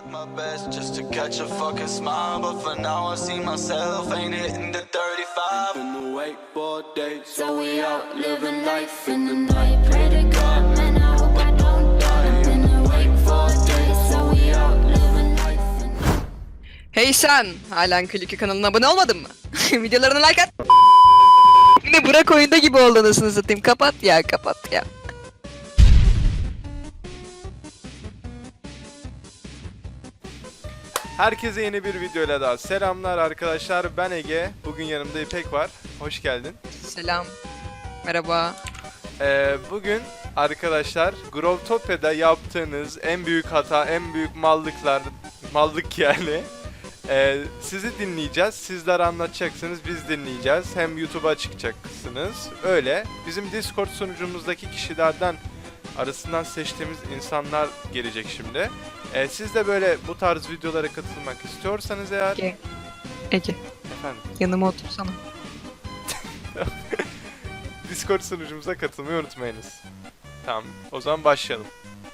Tried my best just to catch a fucking smile, but for now I see myself ain't hitting the 35. Been awake for days, so we out living life in the night. Pray to God, man, I hope I don't die. Been awake for days, so we out living life in the night. Hey sen! Halen Kliki kanalına abone olmadın mı? Videolarına like at! Yine Burak oyunda gibi oldu anasını satayım. Kapat ya, kapat ya. Herkese yeni bir videoyla daha selamlar arkadaşlar. Ben Ege. Bugün yanımda İpek var. Hoş geldin. Selam. Merhaba. Bugün arkadaşlar Growtopia'da yaptığınız en büyük hata, en büyük mallık yani. Sizi dinleyeceğiz. Sizler anlatacaksınız, biz dinleyeceğiz. Hem YouTube'a çıkacaksınız. Öyle. Bizim Discord sunucumuzdaki kişilerden arasından seçtiğimiz insanlar gelecek şimdi. Siz de böyle bu tarz videolara katılmak istiyorsanız eğer... Ege. Efendim? Yanıma otursana. Discord sunucumuza katılmayı unutmayınız. Tamam, o zaman başlayalım.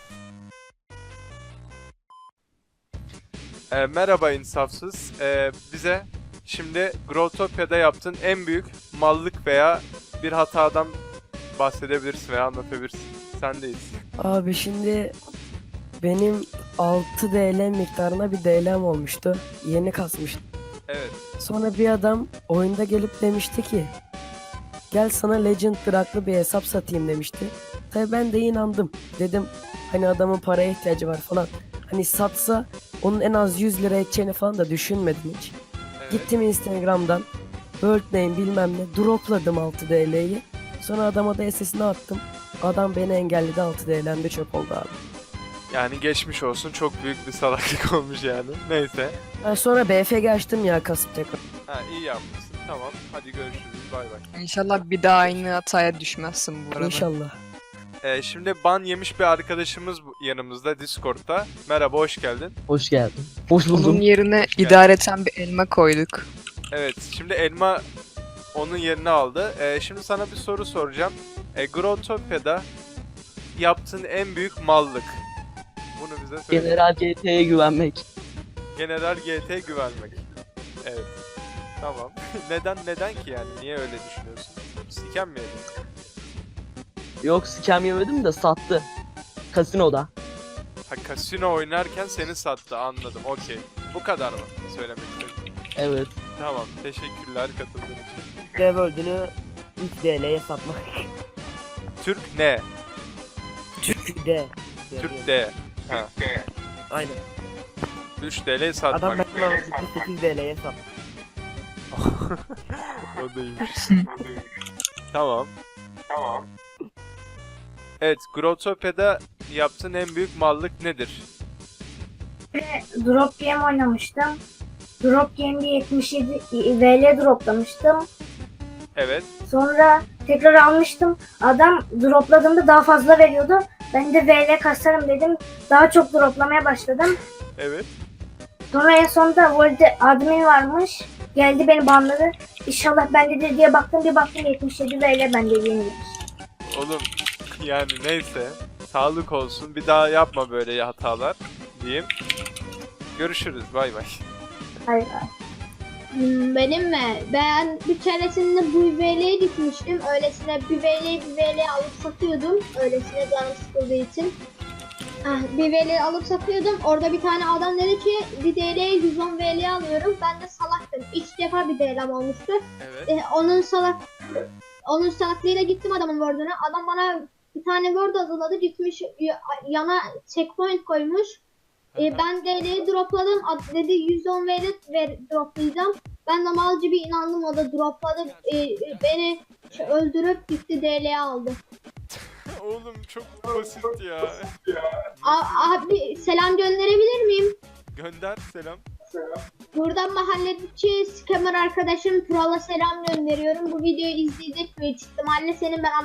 Merhaba insafsız. Bize şimdi Growtopia'da yaptığın en büyük mallık veya bir hatadan bahsedebilirsin veya anlatabilirsin. Sendeyiz. Abi şimdi benim 6 DL miktarına bir DL'm olmuştu. Yeni kasmıştım. Evet. Sonra bir adam oyunda gelip demişti ki gel sana Legend Drak'lı bir hesap satayım demişti. Tabi ben de inandım. Dedim hani adamın paraya ihtiyacı var falan. Hani satsa onun en az 100 lira edeceğini falan da düşünmedim hiç. Evet. Gittim Instagram'dan World Name bilmem ne dropladım 6 DL'yi. Sonra adama da SS'ini attım. Adam beni engelledi, 6 DL'm de çöp oldu abi. Yani geçmiş olsun, çok büyük bir salaklık olmuş yani. Neyse. Ben sonra BFG açtım ya kasıp tekrar. Ha, iyi yapmışsın. Tamam. Hadi görüşürüz. Bay bay. İnşallah bir daha aynı hataya düşmezsin bu arada. İnşallah. Şimdi ban yemiş bir arkadaşımız yanımızda Discord'da. Merhaba, hoş geldin. Hoş geldin. Hoş buldum. Onun yerine idareten bir elma koyduk. Evet, şimdi elma onun yerini aldı. Şimdi sana bir soru soracağım. Growtopia'da yaptığın en büyük mallık. Bunu bize söyle. General GT'ye güvenmek. General GT güvenmek. Evet. Tamam. Neden ki yani? Niye öyle düşünüyorsun? Siken mi yedin? Yok scam yemedim de sattı. Kasinoda. Ha, kasino oynarken seni sattı, anladım. Okey. Bu kadar mı söylemek istedim? Evet. Tamam. Teşekkürler katıldığın için. Revolt'ünü 3 DL'ye satmak. Türk ne? Türk D. Türk D. Ha. Aynen. 3 TL satmak. Adam benden 8 DL'ye sattı. O da iyiymiş. Tamam. Evet, Growtopia'da yaptığın en büyük mallık nedir? Drop game oynamıştım. Drop game'de 77 VL droplamıştım. Evet. Sonra tekrar almıştım. Adam dropladığımda daha fazla veriyordu. Ben de VL kasarım dedim. Daha çok droplamaya başladım. Evet. Sonra en sonunda World admin varmış. Geldi beni banladı. İnşallah bendedir diye baktım. Bir baktım 77 VL bende yenilmiş. Oğlum yani neyse. Sağlık olsun. Bir daha yapma böyle hatalar diyeyim. Görüşürüz. Bay bay. Hayır. Benim mi? Ben bir keresinde bu VL'ye gitmiştim. Öylesine bir VL alıp satıyordum. Öylesine canım sıkıldığı için. Bir VL alıp satıyordum. Orada bir tane adam dedi ki bir DL'ye 110 VL alıyorum. Ben de salaktım. 3 defa bir DL'm olmuştu. Evet. Onun salaklığıyla gittim adamın word'una. Adam bana bir tane word hazırladı. Gitmiş yana checkpoint koymuş. Ben DL'yi dropladım. Dedi 110 VL droplayacağım. Ben de malcı bir inandım, o da dropladı. Beni öldürüp gitti, DL'yi aldı. Oğlum çok basit ya. Abi selam gönderebilir miyim? Gönder selam. Buradan mahalledeki scammer arkadaşım Tural'a selam gönderiyorum. Bu videoyu izleyecek büyük ihtimalle, senin ben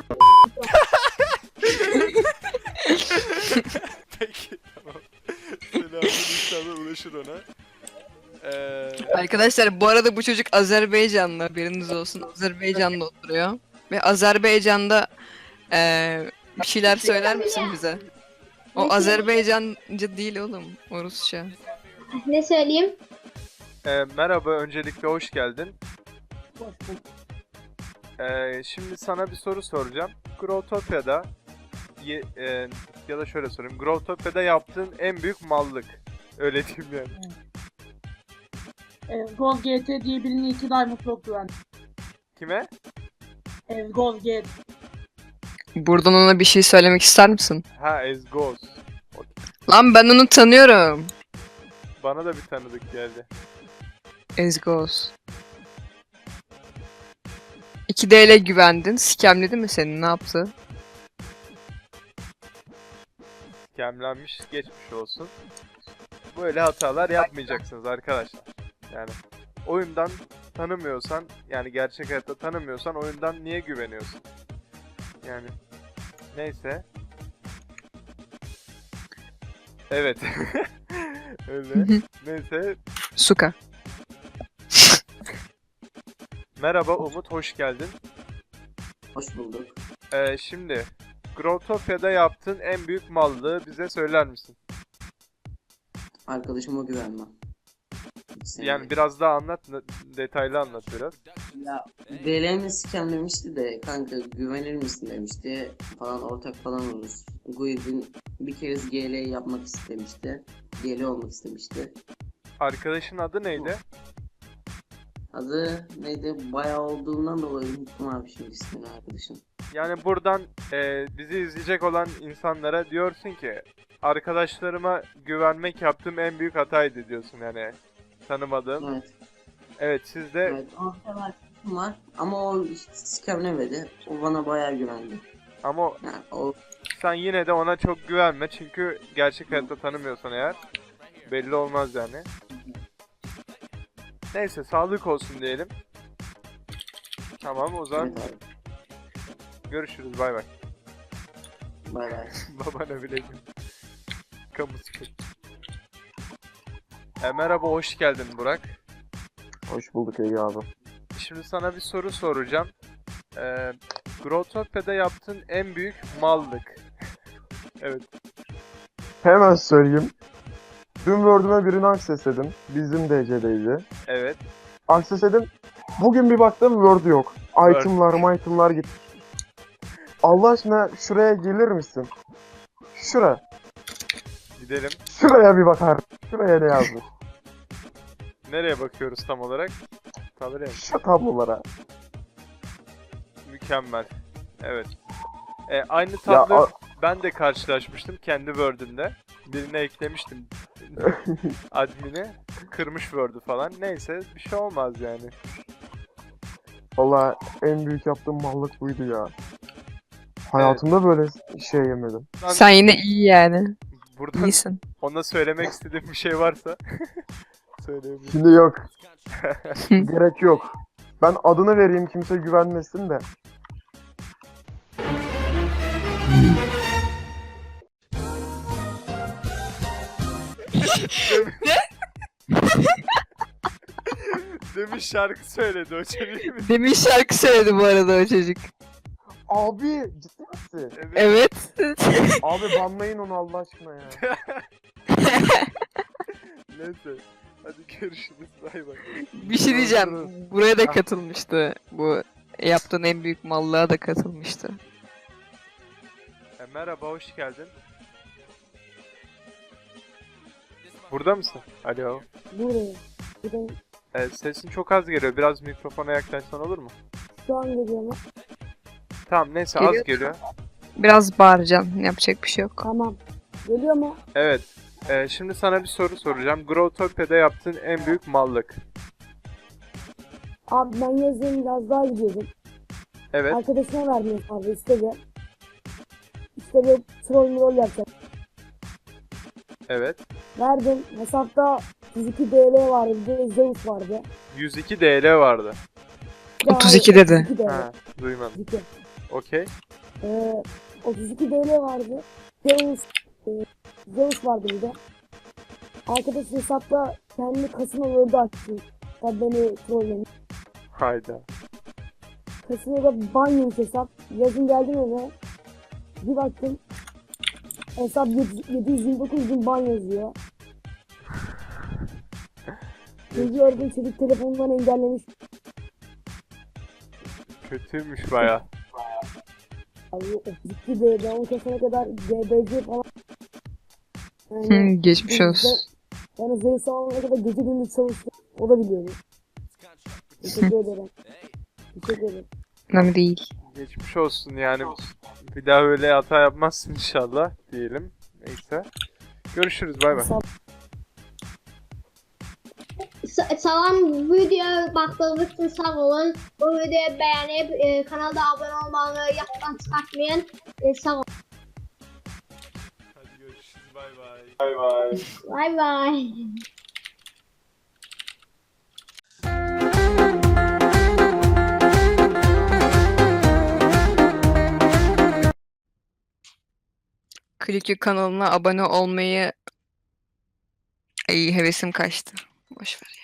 Peki tamam. Selamın inşallah ulaşır ona. Arkadaşlar bu arada bu çocuk Azerbaycanlı, haberiniz olsun. Azerbaycan'da oturuyor. Ve Azerbaycan'da bir şeyler söyler misin bize? O Azerbaycanca değil oğlum, o Rusça. Ne söyleyeyim? Merhaba, öncelikle hoş geldin. Hoş bulduk. Şimdi sana bir soru soracağım. Growtopia'da ya da şöyle sorayım. Growtopia'da yaptığın en büyük mallık. Öyle diyeyim yani. Gold GT diye birine 2 Diamond Block güvendim. Kime? Gold GT. Buradan ona bir şey söylemek ister misin? Ha, Ezgoz. Lan ben onu tanıyorum. Bana da bir tanıdık geldi. Ezgoz. 2DL güvendin. Scamledi mi seni? Ne yaptı? Kemlenmiş, geçmiş olsun. Böyle hatalar yapmayacaksınız arkadaşlar. Yani oyundan tanımıyorsan, yani gerçek hayatta tanımıyorsan oyundan niye güveniyorsun? Yani neyse. Evet. Öyle. Neyse. Suka. Merhaba Umut, hoş geldin. Hoş bulduk. Şimdi Growtopia'da yaptığın en büyük mallığı bize söyler misin? Arkadaşıma güvenmem. Yani biraz daha anlat, detaylı anlat biraz. Ya DL'mi scamlemişti de kanka güvenir misin demişti falan, ortak falan oluruz. Guid'in bir kere GL yapmak istemişti. GL olmak istemişti. Arkadaşın adı neydi? Adı neydi? Bayağı olduğundan dolayı unuttum abi şimdi ismini arkadaşım. Yani buradan bizi izleyecek olan insanlara diyorsun ki arkadaşlarıma güvenmek yaptığım en büyük hataydı diyorsun yani, tanımadığım. Evet. Evet, siz de Evet. Ortak arkadaşım var ama o işte scamlemedi. O bana bayağı güvendi. ama Yani o sen yine de ona çok güvenme çünkü gerçek hayatta tanımıyorsan eğer belli olmaz yani. Neyse, sağlık olsun diyelim. Tamam, o zaman evet abi. görüşürüz, bay bay. Bay bay. Babana bile gül. Kamu spotu. Merhaba, hoş geldin Burak. Hoş bulduk Ege abi. Şimdi sana bir soru soracağım. Growtopia'da yaptığın en büyük mallık. Evet. Hemen söyleyeyim. Dün Word'üme birini accessledim. Bizim DC'deydi. Evet. Accessledim. Bugün bir baktım Word yok. Itemlar gitti. Allah aşkına şuraya gelir misin? Gidelim. Şuraya bir bakar. Şuraya ne yazmış? Nereye bakıyoruz tam olarak? Tabii. Şu tablolara. Mükemmel. Evet. Aynı Ya, tablo ben de karşılaşmıştım kendi Word'ümde. Birine eklemiştim admini. Kırmış Word'ü falan. Neyse, bir şey olmaz yani. Valla en büyük yaptığım mallık buydu ya. Hayatımda böyle şey yemedim. Sen yine iyi yani. Buradan İyisin. ona söylemek istediğim bir şey varsa söyleyebilirim. Şimdi yok. Gerek yok. Ben adını vereyim, kimse güvenmesin de. Demiş şarkı söyledi o çeviri mi? Demin şarkı söyledi bu arada o çocuk. Abi ciddi misin? Evet. Evet. Abi banlayın onu Allah aşkına ya. Neyse. Hadi görüşürüz. Bay bay. Bir şey diyeceğim. Buraya da katılmıştı. Bu yaptığın en büyük mallığa da katılmıştı. Merhaba, hoş geldin. Burada mısın? Alo. Buradayım. Buradayım. Sesin çok az geliyor. Biraz mikrofona yaklaşsan olur mu? Şu an geliyor mu? Tamam, neyse, Geliyor. az geliyor. Biraz bağıracaksın. Yapacak bir şey yok. Tamam. Geliyor mu? Evet. Şimdi sana bir soru soracağım. Growtopia'da yaptığın en büyük mallık. Abi ben yazın biraz daha gidiyordum. Evet. Arkadaşına verdim abi istedi. İşte bir troll yapacak. Evet. Verdim. Hesapta 102 DL vardı. Bir de Zeus vardı. 102 DL vardı. Ya 32 dedi. 32 DL. Ha, duymadım. 32. Okey. 32 DL vardı. Zeus vardı bir de. Arkadaş hesapta kendi kasinoları açtı. Tabi beni trollemiş. Hayda. Kasinoda ban yemiş hesap. Yazın geldim eve. Bir baktım. Hesap 729 bin ban yazıyor. Çocuğu orada çocuk telefonundan engellemiş. Kötüymüş baya. Abi ciddi de ben o kesene kadar GBC falan. Yani, Geçmiş olsun. yani zayıf sağlamaya kadar gece gündüz çalıştım. O da biliyordu. Teşekkür ederim. Teşekkür ederim. Önemli değil. Geçmiş olsun yani. Bir daha öyle hata yapmazsın inşallah diyelim. Neyse. Görüşürüz, bay bay. Salam, videoya baktığınız için sağ olun. Bu videoyu beğenip kanalda abone olmayı yaddan çıkartmayın. Sağ olun. Hadi görüşürüz, bay bay. Bay bay. Bay bay. Kliki kanalına abone olmayı... Ay hevesim kaçtı. Boş ver ya.